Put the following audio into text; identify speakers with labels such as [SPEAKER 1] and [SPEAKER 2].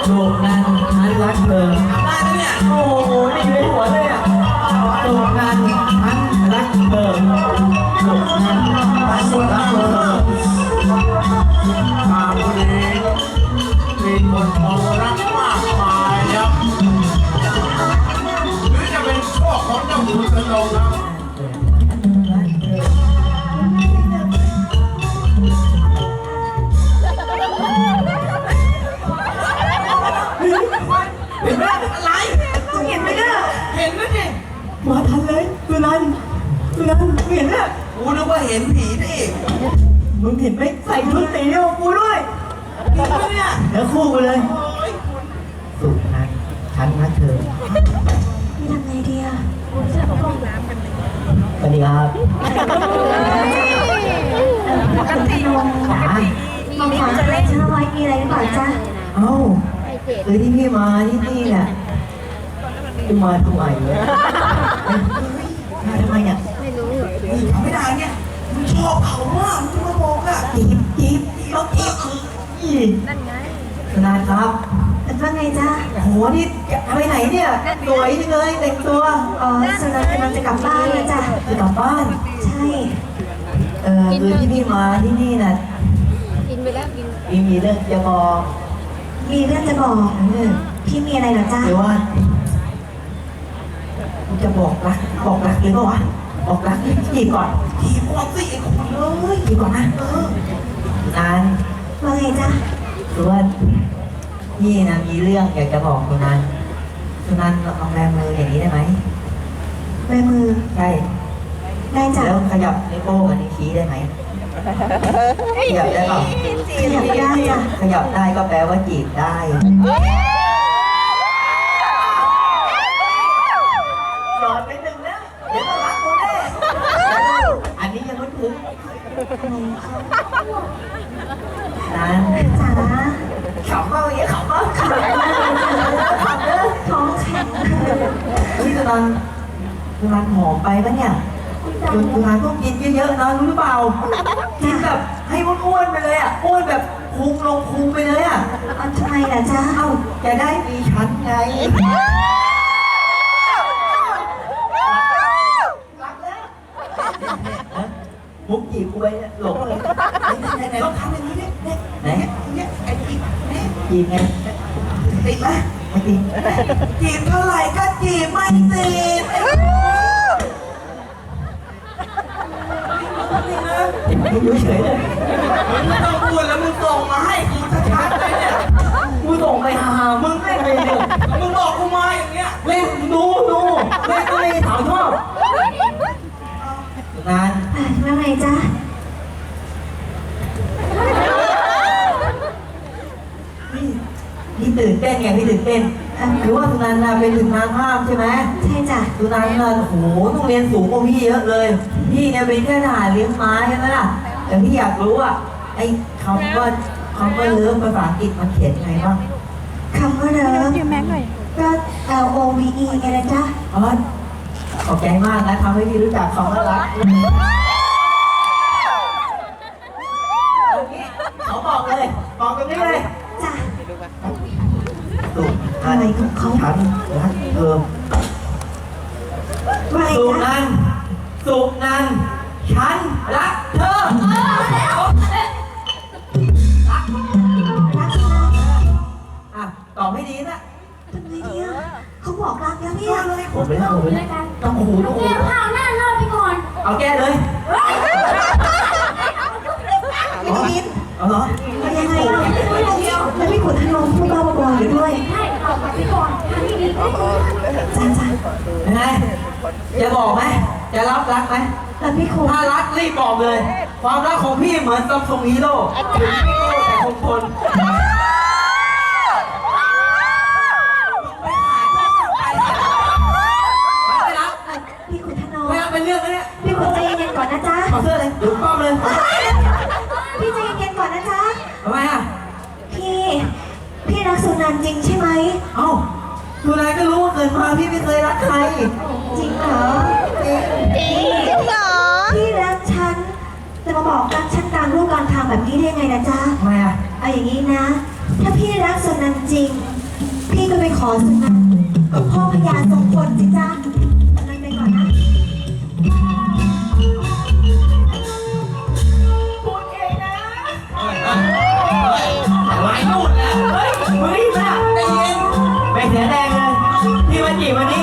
[SPEAKER 1] ถูกนั้นฉันรักเธอได้แล้วเนี่ยโอ้โหนี่อยู่ในหัวเลยอ่ะถูกนั้นฉันรักเธอถูกนั้นฉันรักเธอ
[SPEAKER 2] ตามคนนี้มีคนมองรักมากมายครับหรือจะเป็นโชคของเจ้าคุณสนองครับ
[SPEAKER 1] เห็นไหมอะไรเห็นไหมเนี่ยเห็นไหมเนี่ยมาทันเลยสุนันเห็นเนี่ยกูนึกว่าเห็นผีนี่มึงเห็นไหมใส่ชุดสีเดียวกูด้วยจริงปะเนี่ยเดี๋ยวคู่กันเลยสุนันฉันรักเธอ
[SPEAKER 3] ทำไงดีอ่ะ
[SPEAKER 1] สวัสดีครับ
[SPEAKER 3] คุณพนมมองหาอะไรฉันเอาไว้มีอะไรหรือเปล่าจ๊ะ
[SPEAKER 1] เอ้าคือที่พี่มาที่นี่เนี่ยพี่มาทำไมเนี่ยมาทำไมเนี่ยไม่ได้เนี่ยมึงชอบเขามากมึงมาบอกอะจีบต้องจีบนั่นไงนายครับ
[SPEAKER 3] ว่าไงจ๊ะ
[SPEAKER 1] โหนี่ไปไหนเนี่ยสวยจังเลยแต่งตัว
[SPEAKER 3] สุนันท์กำลังจะกลับบ้านแล้วจ้ะ
[SPEAKER 1] จะกลับบ้าน
[SPEAKER 3] ใช่
[SPEAKER 1] คือที่พี่มาที่นี่น่ะ
[SPEAKER 4] กินไปแล้วกิน
[SPEAKER 1] มีเรื่องจะบอก
[SPEAKER 3] มีเรื่องจะบอกพี่มีอะไรเหรอจ๊ะ
[SPEAKER 1] หรือว่าจะบอกรักหรือเปล่าวะบอกรักจีบก่อนจีบก่อนสิไอ้คนเลยจีบก่อนนะนาน
[SPEAKER 3] ว่าไงจ๊ะ
[SPEAKER 1] หรือว่าพี่นะมีเรื่องอยากจะบอกคุณนันลองแบมืออย่างนี้ได้ไหม
[SPEAKER 3] แบมือ
[SPEAKER 1] ใช่
[SPEAKER 3] ได้จ้ะ
[SPEAKER 1] แล้วขยับนิ้วโป้งกับนิ้วชี้ได้ไหมขยับได้เปล่า
[SPEAKER 3] ขยับได้จ้ะ
[SPEAKER 1] ขยับได้ก็แปลว่าจีบได้หยอดไปหนึ่งนะเดี๋ยวจะรักกูแน่อันนี้ยังไม่ถึงนัน
[SPEAKER 3] จ๋า
[SPEAKER 1] ขำมากเลยขำมากขำเลย
[SPEAKER 3] ท้องแข็ง
[SPEAKER 1] พี่ตอนหอมไปปะเนี่ยคุณนายต้องกินเยอะๆนะรู้หรือเปล่ากินแบบให้อ้วนๆไปเลยอ่ะอ้วนแบบพุงลงพุงไปเลยอ่ะ
[SPEAKER 3] ทำไมล่ะจ๊ะ
[SPEAKER 1] เอ้าจะได้มีชั้นไงรักแล้วมุกจีบกูไปหลงเลยไหนลองทำอย่างนี้ดิไหนไอ้จีบไงติดไหมไม่ติดจีบเท่าไหร่ก็จีบไม่ติดอยู่เฉยเลยมึงไม่ต้องพูดแล้วมึงส่งมาให้กูชัดๆเลยเนี่ยกูส่งไปหามึงไม่ไปเนี่ยมึงบอกกูมาอย่างเงี้ยเล่นดูเล่นก็ไม่ถามชอบนาน
[SPEAKER 3] ว่าไงจ๊ะ
[SPEAKER 1] พี่ตื่นเต้นไงพี่ตื่นเต้นหรือว่าสุนันท์เป็นถึงนางภาพใช่ไหม
[SPEAKER 3] ใช่จ้ะ
[SPEAKER 1] สุนันท์โอ้โหต้องเรียนสูงกว่าพี่เยอะเลยพี่เนี่ยเป็นแค่ทหารเลี้ยงม้าใช่ไหมล่ะแต่พี่อยากรู้อ่ะไอ้คำว่าเลิฟภาษาอังกฤษมันเขียนไงบ้าง
[SPEAKER 3] คำว่าเลิฟก็ LOVE ไงนะจ๊ะ
[SPEAKER 1] ขอบใจมากนะทำให้พี่รู้จักคำว่ารักเขาบอกเลยบอกตรงนี้เลย
[SPEAKER 3] จ้ะ
[SPEAKER 1] สุ
[SPEAKER 3] อะไรของเขา
[SPEAKER 1] ฉันรักเธอสุนันฉันรักเธอรักตอบไม่ดีนะ
[SPEAKER 3] ทำไงดีอ่ะเขาบอกรักแล้วเนี่ย
[SPEAKER 1] ผมไม่ได้ต้องหู
[SPEAKER 4] แก้ผ้าหน้ารอดไปก่อน
[SPEAKER 1] เอาแก้เลย
[SPEAKER 3] ไม่ได้ยิน
[SPEAKER 1] เอาเหรอ
[SPEAKER 3] ยังไงแล้วพี่ขุนธนงพูดบ้าบออยู่ด้วย
[SPEAKER 4] ใช่เอาไปก่อนทำที่ดี
[SPEAKER 3] จ้า
[SPEAKER 1] ยังไงจะบอกไหมจะรับรักไหม
[SPEAKER 3] พี่ขุน
[SPEAKER 1] ถ้ารักรีบบอกเลยความรักของพี่เหมือนซัมซุงฮีโร่ถึงฮีโร่แต่คงทน
[SPEAKER 3] พี่ขุนธนง
[SPEAKER 1] ไม่เอาเป็นเรื่องเลยเนี่ย
[SPEAKER 3] พี่ขุนใจเย็นๆก่อนนะจ๊ะ
[SPEAKER 1] ขอเสื้อเลยดูป้อมเลย
[SPEAKER 3] พี่ใจเย็นๆก่อนนะจ๊ะ
[SPEAKER 1] ทำไมอ่ะ
[SPEAKER 3] พี่รักสุนันท์จริงใช่ไหม
[SPEAKER 1] เอ้าสุนันท์ก็รู้ว่าเกิดมาพี่ไม่เคยรักใคร
[SPEAKER 3] จริงเหรอจริงเหรอพี่รักฉันจะมาบอกรักฉันกลางรูปกลางทางแบบนี้ได้ไงนะจ๊ะ
[SPEAKER 1] ทำไมอ่ะ
[SPEAKER 3] เอาอย่างนี้นะถ้าพี่รักสุนันท์จริงพี่ก็ไปขอสุนัขกับพ่อพญาทรงพลสิจ้านั่งไปก่อนนะ
[SPEAKER 1] พูดเองนะอะไรนู่นแล้วเฮ้ยมึงรีบนะใจเย็นไปเสียแดงเลยพี่มาจีบวันนี้